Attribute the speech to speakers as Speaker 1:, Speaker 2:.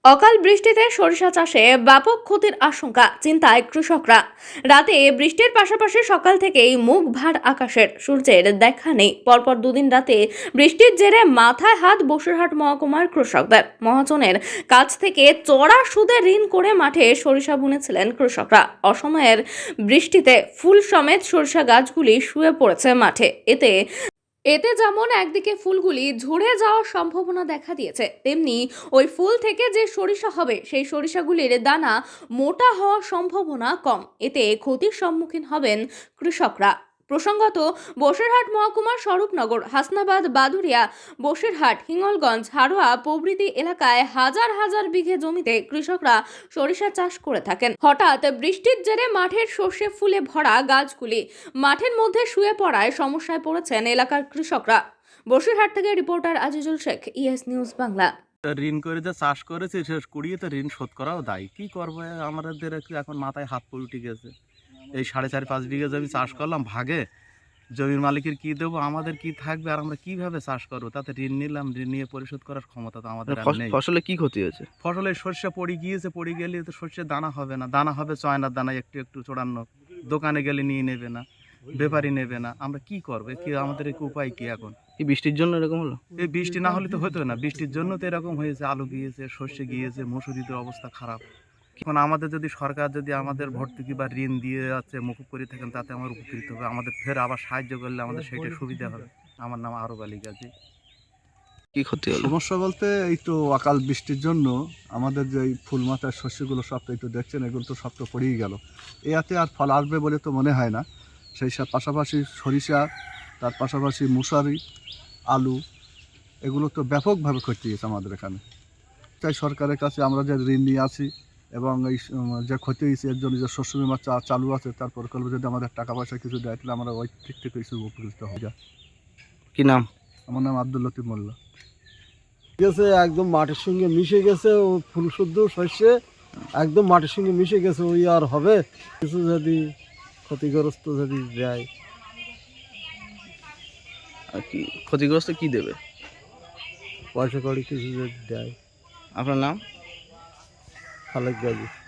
Speaker 1: অকাল বৃষ্টিতে সরিষা চাষে ব্যাপক ক্ষতির আশঙ্কা, চিন্তায় কৃষকরা। রাতে বৃষ্টির পাশাপাশি সকাল থেকেই মুখ ভার আকাশের, সূর্যের দেখা নেই। পরপর দুদিন রাতে বৃষ্টির জেরে মাথায় হাত বসিরহাট মহকুমার কৃষকদের। মহাজনের কাছ থেকে চড়া সুদে ঋণ করে মাঠে সরিষা বুনেছিলেন কৃষকরা। অসময়ের বৃষ্টিতে ফুল সমেত সরিষা গাছগুলি শুয়ে পড়েছে মাঠে। এতে যেমন একদিকে ফুলগুলি ঝরে যাওয়ার সম্ভাবনা দেখা দিয়েছে, তেমনি ওই ফুল থেকে যে সরিষা হবে সেই সরিষাগুলির দানা মোটা হওয়ার সম্ভাবনা কম। এতে ক্ষতির সম্মুখীন হবেন কৃষকরা। প্রসঙ্গত, বসিরহাট মহকুমার স্বরূপনগর, হাসনাবাদ, বাদুরিয়া, বসিরহাট, হিঙ্গলগঞ্জ, হারোয়া প্রভৃতি এলাকায় হাজার হাজার বিঘে জমিতে কৃষকরা সরিষা চাষ করে থাকেন। হঠাৎ বৃষ্টির জেরে মাঠের সর্ষে ফুলে ভরা গাছগুলি মাঠের মধ্যে শুয়ে পড়ায় সমস্যায় পড়েছেন এলাকার কৃষকরা। বসিরহাট থেকে reporter Azizul Sheikh, ES news Bangla.
Speaker 2: ঋণ করে যে চাষ করেছে শেষ কুড়িয়ে তো ঋণ শোধ করাও দায়ী। কি করবো, আমাদের একটু এখন মাথায় হাত পড়ে উঠে গেছে। এই 4.5-5 বিঘা জমি চাষ করলাম ভাগে, জমির মালিকের কি দেবো, আমাদের কি থাকবে, আর আমরা কিভাবে চাষ করবো? তাতে ঋণ নিলাম, ঋণ নিয়ে পরিশোধ করার ক্ষমতা তো আমাদের নেই।
Speaker 3: ফসলে কি ক্ষতি হয়েছে?
Speaker 2: ফসলে সর্ষে পড়ে গিয়েছে, পড়ে গেলে তো সর্ষের দানা হবে না, দানা হবে চয়নার দানা, একটু একটু চড়ানো, দোকানে গেলে নিয়ে নেবে না, ব্যাপারী নেবে না। আমরা কি করবো, কি আমাদের কি উপায় কি এখন?
Speaker 3: এই বৃষ্টির জন্য এরকম হলো?
Speaker 2: এই বৃষ্টি না হলে তো হতো না, বৃষ্টির জন্য তো এরকম হয়েছে। আলু গিয়েছে, সর্ষে গিয়েছে, মসুরিদের অবস্থা খারাপ। এখন আমাদের যদি সরকার যদি আমাদের ভর্তুকি বা ঋণ দিয়ে যাচ্ছে মুকুব করে থাকেন, তাতে আমার উপকৃত হবে, আমাদের ফের আবার সাহায্য করলে আমাদের সেইটা সুবিধা হবে। আমার নাম আরব আলী গাজী।
Speaker 3: কি ক্ষতি হলো?
Speaker 4: সমস্যা বলতে এই তো অকাল বৃষ্টির জন্য আমাদের যে ফুল মাথার শস্যগুলো সব তো এই তো দেখছেন, এগুলো তো সব তো পড়েই গেল। এতে আর ফল আসবে বলে তো মনে হয় না। সেই সব পাশাপাশি সরিষা, তার পাশাপাশি মুসারি, আলু, এগুলো তো ব্যাপকভাবে ক্ষতি হয়েছে আমাদের এখানে। তাই সরকারের কাছে আমরা যে ঋণ নিয়ে আছি এবং এই যে ক্ষতি হয়েছে এর জন্য যে শস্য বিমা চালু আছে, তার প্রকল্পে যদি আমাদের টাকা পয়সা কিছু দেয় তাহলে আমরা ওই দিক থেকে কিছু উপকৃত হয়ে যায়।
Speaker 3: কি নাম?
Speaker 4: আমার নাম আব্দুল লতিফ মোল্লা।
Speaker 5: গেছে একদম মাটির সঙ্গে মিশে গেছে, ও ফুল শুদ্ধ শস্যে একদম মাটির সঙ্গে মিশে গেছে। ওই আর হবে কিছু যদি ক্ষতিগ্রস্ত যদি দেয়?
Speaker 3: আর কি ক্ষতিগ্রস্ত কি দেবে?
Speaker 5: পয়সা কড়ি কিছু যদি দেয়।
Speaker 3: আপনার নাম?
Speaker 5: খালেক গাজী।